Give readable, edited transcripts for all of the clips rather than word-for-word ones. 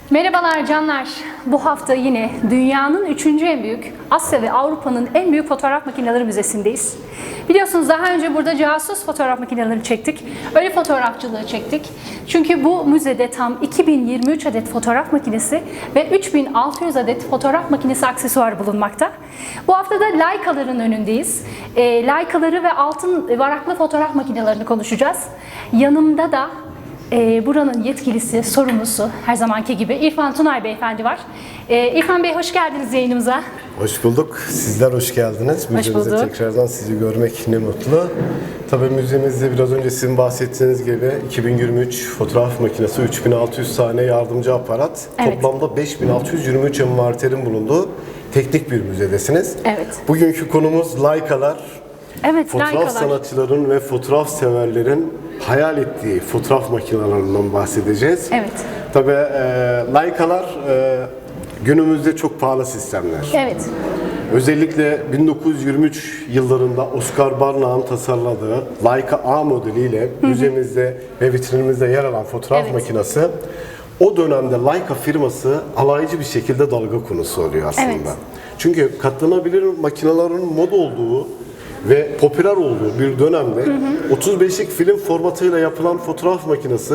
Merhabalar canlar. Bu hafta yine dünyanın üçüncü en büyük, Asya ve Avrupa'nın en büyük fotoğraf makineleri müzesindeyiz. Biliyorsunuz daha önce burada casus fotoğraf makineleri çektik. Ölü fotoğrafçılığı çektik. Çünkü bu müzede tam 2023 adet fotoğraf makinesi ve 3600 adet fotoğraf makinesi aksesuarı bulunmakta. Bu hafta da Leica'ların önündeyiz. Leica'ları ve altın varaklı fotoğraf makinelerini konuşacağız. Yanımda da buranın yetkilisi, sorumlusu her zamanki gibi İrfan Tunay Beyefendi var. İrfan Bey hoş geldiniz yayınımıza. Hoş bulduk. Sizler hoş geldiniz. Müzemizde tekrardan sizi görmek ne mutlu. Tabii müzemizde biraz önce sizin bahsettiğiniz gibi 2023 fotoğraf makinesi, 3600 tane yardımcı aparat, Evet. toplamda 5623 envanterin bulunduğu teknik bir müzedesiniz. Evet. Bugünkü konumuz Leica'lar. Evet, Fotoğraf Leica'lar. sanatçıların ve fotoğraf severlerin hayal ettiği fotoğraf makinelerinden bahsedeceğiz. Evet. Tabii Leica'lar günümüzde çok pahalı sistemler. Evet. Özellikle 1923 yıllarında Oscar Barnard'ın tasarladığı Leica A modeliyle müzemizde ve vitrinimizde yer alan fotoğraf Evet. makinesi o dönemde Leica firması alaycı bir şekilde dalga konusu oluyor aslında. Evet. Çünkü katlanabilir makinelerin mod olduğu ve popüler olduğu bir dönemde 35'lik film formatıyla yapılan fotoğraf makinesi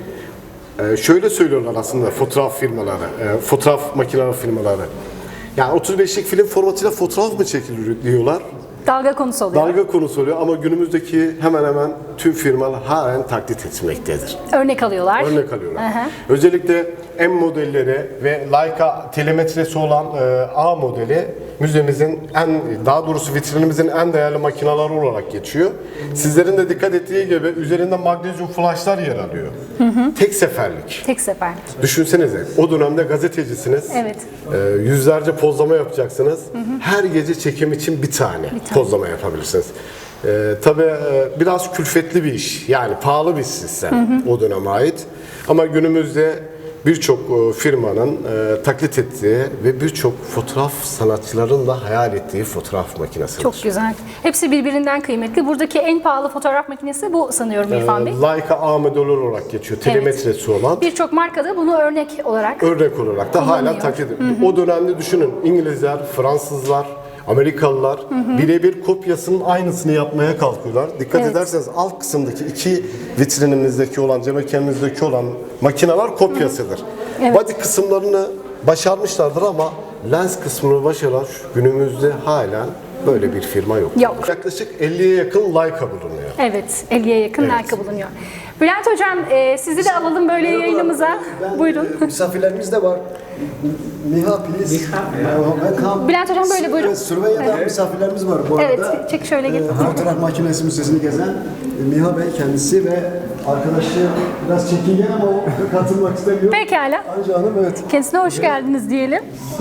şöyle söylüyorlar aslında fotoğraf firmaları, fotoğraf makineleri firmaları. Yani 35'lik film formatıyla fotoğraf mı çekilir diyorlar. Dalga konusu oluyor. Dalga konusu oluyor ama günümüzdeki hemen hemen tüm firmalar halen taklit etmektedir. Örnek alıyorlar. Örnek alıyorlar. Hı hı. Özellikle M modelleri ve Leica telemetresi olan A modeli müzemizin daha doğrusu vitrinimizin en değerli makineleri olarak geçiyor. Sizlerin de dikkat ettiği gibi üzerinde magnezyum flaşlar yer alıyor. Tek seferlik. Tek seferlik. Düşünsenize o dönemde gazetecisiniz. Evet. Yüzlerce pozlama yapacaksınız. Her gece çekim için bir tane pozlama yapabilirsiniz. Tabii biraz külfetli bir iş. Yani pahalı bir sistem o döneme ait. Ama günümüzde birçok firmanın taklit ettiği ve birçok fotoğraf sanatçıların da hayal ettiği fotoğraf makinesi. Çok güzel. Hepsi birbirinden kıymetli. Buradaki en pahalı fotoğraf makinesi bu sanıyorum İrfan Bey. Leica A modeli olarak geçiyor. Telemetresi olan. Birçok markada bunu örnek olarak Örnek olarak da hala taklit ediyor. O dönemde düşünün İngilizler, Fransızlar, Amerikalılar birebir kopyasının aynısını yapmaya kalkıyorlar. Dikkat Evet. ederseniz alt kısımdaki iki vitrinimizdeki olan, cam mekanimizdeki olan makineler kopyasıdır. Evet. Body kısımlarını başarmışlardır ama lens kısmını başaran günümüzde halen böyle bir firma yok. Yok. Yaklaşık 50'ye yakın Leica bulunuyor. evet 50'ye yakın Leica bulunuyor. Bülent Hocam sizi de alalım böyle yayınımıza. Buyurun. Misafirlerimiz de var. Miha, please. Welcome. Bülent Hocam böyle buyurun. Sürveyya'da misafirlerimiz var bu Evet, arada. çek şöyle gel. Fotoğraf makinesi müzesini gezen Miha Bey kendisi ve arkadaşı biraz çekingen ama o katılmak istemiyor. Pekala. Anca Hanım evet. Kendisine hoş geldiniz diyelim.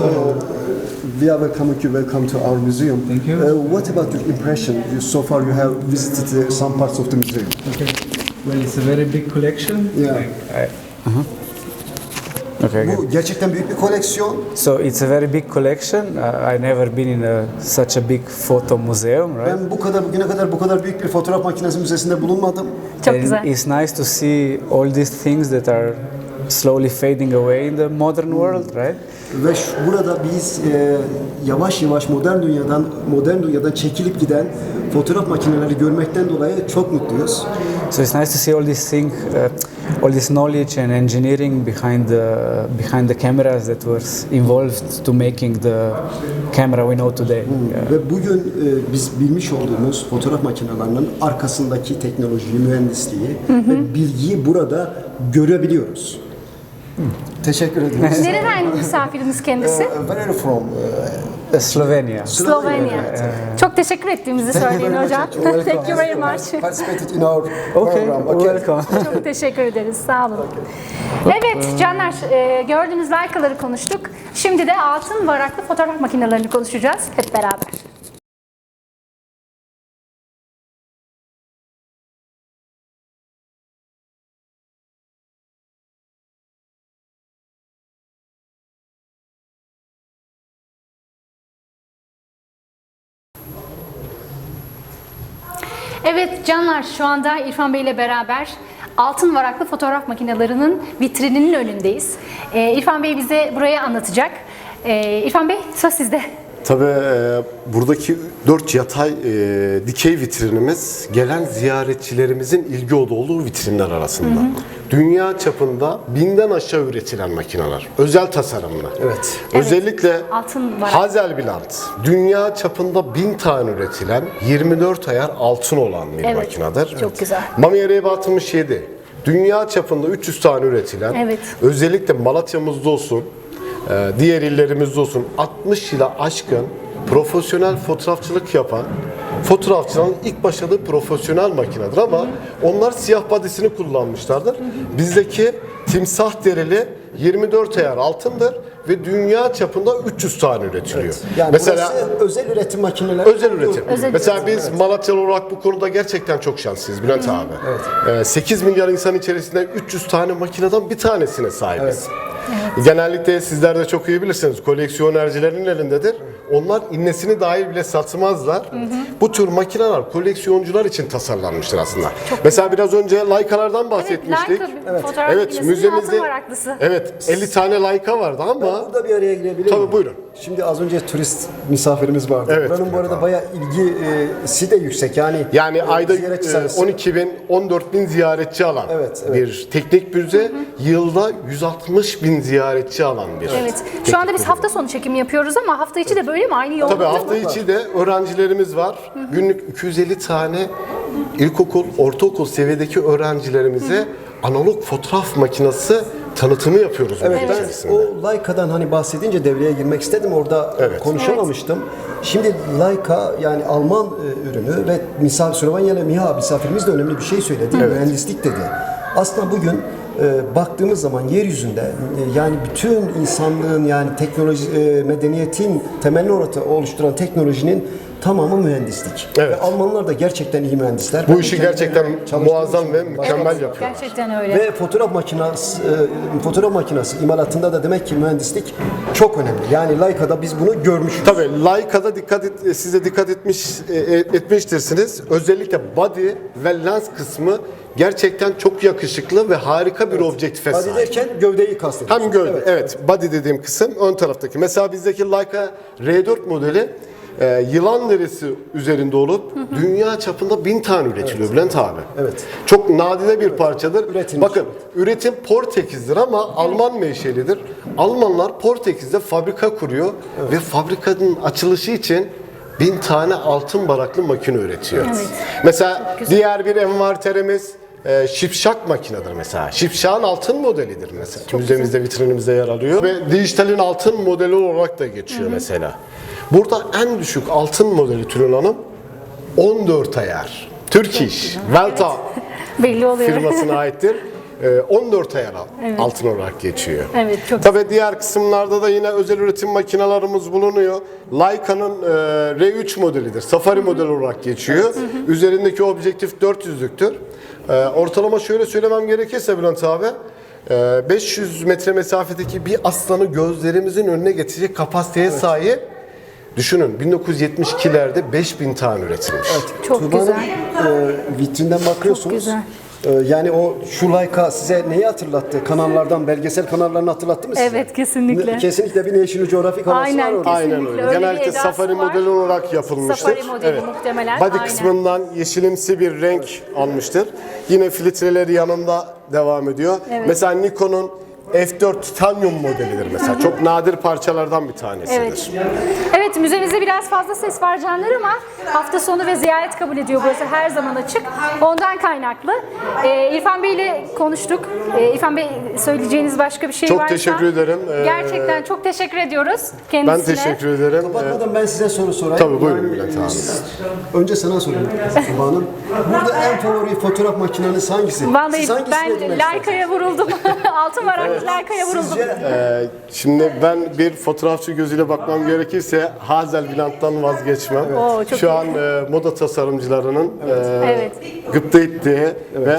We are welcome to our museum. Thank you. What about your impression? So far you have visited some parts of the museum. Okay. Well, it's a very big collection. Yeah. Okay. Bu gerçekten büyük bir koleksiyon. So it's a very big collection. I never been in such a big photo museum, right? Ben bugüne kadar bu kadar büyük bir fotoğraf makinesi müzesinde bulunmadım. Çok And güzel. it's nice to see all these things that are slowly fading away in the modern world, right? Ve burada biz yavaş yavaş modern dünyadan çekilip giden fotoğraf makineleri görmekten dolayı çok mutluyuz. So it's nice to see all these things, all this knowledge and engineering behind the cameras that was involved to making the camera we know today. Yeah. Ve bugün biz bilmiş olduğumuz fotoğraf makinelerinin arkasındaki teknolojiyi, mühendisliği ve bilgiyi burada görebiliyoruz. Teşekkür ederiz. Nereden misafirimiz kendisi? Where are you from? Slovenia. Slovenya. Çok teşekkür ettiğimizi söyleyin hocam. Thank you very much. Participated in our Okay, program. welcome. Çok teşekkür ederiz. Sağ olun. Evet canlar, gördüğünüz Leica'ları konuştuk. Şimdi de altın varaklı fotoğraf makinelerini konuşacağız hep beraber. Evet canlar, şu anda İrfan Bey ile beraber altın varaklı fotoğraf makinelerinin vitrininin önündeyiz. İrfan Bey bize burayı anlatacak. İrfan Bey, söz sizde. Tabii buradaki 4 yatay dikey vitrinimiz gelen ziyaretçilerimizin ilgi olduğu vitrinler arasında. Dünya çapında 1000'den aşağı üretilen makineler. Özel tasarımlı. Evet. Özellikle Altın var. Hazelbland dünya çapında 1000 tane üretilen 24 ayar altın olan bir Evet, makinedir. çok güzel. Mamiya RB67 dünya çapında 300 tane üretilen, Evet. özellikle Malatya'mızda olsun, diğer illerimizde olsun 60 yıla aşkın profesyonel fotoğrafçılık yapan fotoğrafçıların ilk başladığı profesyonel makinedir ama onlar siyah badisini kullanmışlardır. Bizdeki timsah derili 24 ayar altındır ve dünya çapında 300 tane üretiliyor. Yani Mesela burası özel üretim makineleri. özel üretim. Özel Mesela üretim, biz Malatyalı olarak bu konuda gerçekten çok şanslıyız Bülent abi. 8 milyar insan içerisinde 300 tane makineden bir tanesine sahibiz. Genellikle sizler de çok iyi bilirsiniz. Koleksiyonercilerin elindedir. Onlar innesini dahil bile satmazlar. Bu tür makineler koleksiyoncular için tasarlanmıştır aslında. Mesela biraz önce Leica'lardan bahsetmiştik. Leica fotoğraf Evet, makinesinin müzemizde altın varaklısı. evet 50 tane Leica vardı ama Burada bir araya girebilir Tabii, miyim? buyurun. Şimdi az önce turist misafirimiz vardı. Evet, Buranın bu arada bayağı ilgisi de yüksek. Yani ayda ziyaretçi sayısı. 12 bin, 14 bin ziyaretçi alan Evet, evet. bir teknik müze, yılda 160 bin ziyaretçi alan bir Evet. teknik Şu anda biz müze. hafta sonu çekimi yapıyoruz ama hafta içi de böyle mi? Aynı yoğunlukta Tabii mı? hafta içi de öğrencilerimiz var. Günlük 250 tane ilkokul, ortaokul seviyedeki öğrencilerimize analog fotoğraf makinesi tanıtımı yapıyoruz. Evet, bunun ben içerisinde. o Leica'dan hani bahsedince devreye girmek istedim. Orada Evet. konuşamamıştım. Şimdi Leica yani Alman ürünü ve Süleyman Miha misafirimiz de önemli bir şey söyledi. Mühendislik dedi. Aslında bugün baktığımız zaman yeryüzünde yani bütün insanlığın yani teknoloji, medeniyetin temelini oluşturan teknolojinin tamamı mühendislik. Evet. Ve Almanlar da gerçekten iyi mühendisler. Bu Ben işi kendim gerçekten çalıştığım muazzam için ve mükemmel yapıyor. Gerçekten öyle. ve fotoğraf makinesi imalatında da demek ki mühendislik çok önemli. Yani Leica'da biz bunu görmüşüz. Tabii Leica'da size dikkat etmiştirsiniz. Özellikle body ve lens kısmı gerçekten çok yakışıklı ve harika bir objektife Body sahip. derken gövdeyi kastediyorsun. Hem gövde, evet. Body dediğim kısım ön taraftaki. Mesela bizdeki Leica R4 modeli yılan derisi üzerinde olup dünya çapında 1000 tane üretiliyor Bülent abi. Evet. Çok nadide bir parçadır. Üretilmiş. Bakın üretim Portekiz'dir ama Alman menşelidir. Almanlar Portekiz'de fabrika kuruyor ve fabrikanın açılışı için 1000 tane altın varaklı makine üretiyor. Evet. Mesela diğer bir envanterimiz Şipşak makinedir mesela. Şipşak'ın altın modelidir mesela. Müzemizde, vitrinimizde yer alıyor. Ve dijitalin altın modeli olarak da geçiyor mesela. Burada en düşük altın modeli Tülin Hanım 14 ayar. Turkish Velta Belli oluyor. firmasına aittir. 14 ayar altın olarak geçiyor. Evet, çok Tabii diğer kısımlarda da yine özel üretim makinelerimiz bulunuyor. Leica'nın R3 modelidir. Safari modeli olarak geçiyor. Üzerindeki objektif 400'lüktür. Ortalama şöyle söylemem gerekirse Bülent abi, 500 metre mesafedeki bir aslanı gözlerimizin önüne getirecek kapasiteye sahip. Düşünün 1972'lerde 5000 tane üretilmiş. Çok Tuğba güzel. Hanım, vitrinden bakıyorsunuz. güzel. Yani o şu Leica size neyi hatırlattı? Kanallardan, belgesel kanallarını hatırlattı mı size? Evet, kesinlikle. Kesinlikle bir National Geographic havası Aynen, var orada. Aynen kesinlikle. öyle. Öyle bir Genellikle edası safari var. modeli olarak yapılmıştır. Safari modeli muhtemelen, Body aynen. kısmından yeşilimsi bir renk almıştır. Yine filtreleri yanında devam ediyor. Evet. Mesela Nikon'un F4 Titanium modelidir mesela. Çok nadir parçalardan bir tanesidir. Evet. Evet, müzemizde biraz fazla ses var canlar ama hafta sonu ve ziyaret kabul ediyor. Burası her zaman açık. Ondan kaynaklı. İrfan Bey ile konuştuk. İrfan Bey, söyleyeceğiniz başka bir şey Çok varsa. teşekkür ederim. Gerçekten çok teşekkür ediyoruz Ben kendisine. teşekkür ederim. Kapatmadan ben size soru sorayım. Tabii, buyurun Bülent abi. Önce sana sorayım Tuğba Hanım. Burada en favori fotoğraf makineniz hangisi? Vallahi Siz hangisini ben edinmek istersiniz? Leica'ya vuruldum. Altın varaklı Leica'ya vuruldum. Sizce Şimdi ben bir fotoğrafçı gözüyle bakmam gerekirse Hazelbland'dan vazgeçmem. Oo, çok Şu iyi. an moda tasarımcılarının Evet. gıpta ettiği ve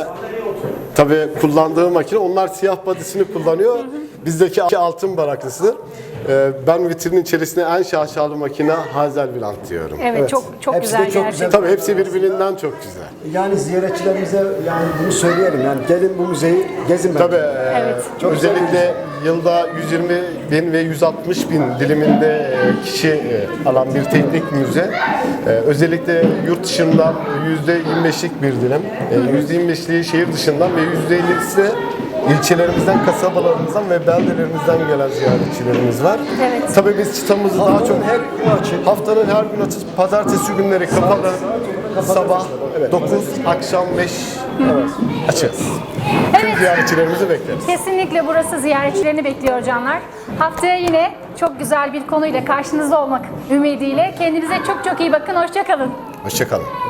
tabii kullandığı makine, onlar siyah badisini kullanıyor. Bizdeki altın baraklısıdır. Ben vitrinin içerisine en şaşalı makine Hazelblant diyorum. Evet, çok Hepsi de güzel çok güzel. gerçekten. Tabii hepsi birbirinden çok güzel. Yani ziyaretçilerimize yani bunu söyleyelim. Yani gelin bu müzeyi gezin bence. Tabii Evet. Çok özellikle yılda 120 bin ve 160 bin diliminde kişi alan bir teknik müze. Özellikle yurt dışından %25'lik bir dilim, %25'liği şehir dışından ve %50'si de ilçelerimizden, kasabalarımızdan ve beldelerimizden gelen ziyaretçilerimiz var. Evet. Tabii biz çıtamızı daha çok her gün açık. haftanın her gün açık, pazartesi günleri kapalı, sabah 9, akşam 5 açığız. Tüm ziyaretçilerimizi bekleriz. Kesinlikle burası ziyaretçilerini bekliyor canlar. Haftaya yine çok güzel bir konuyla karşınızda olmak ümidiyle. Kendinize çok çok iyi bakın. Hoşça kalın. Hoşça kalın.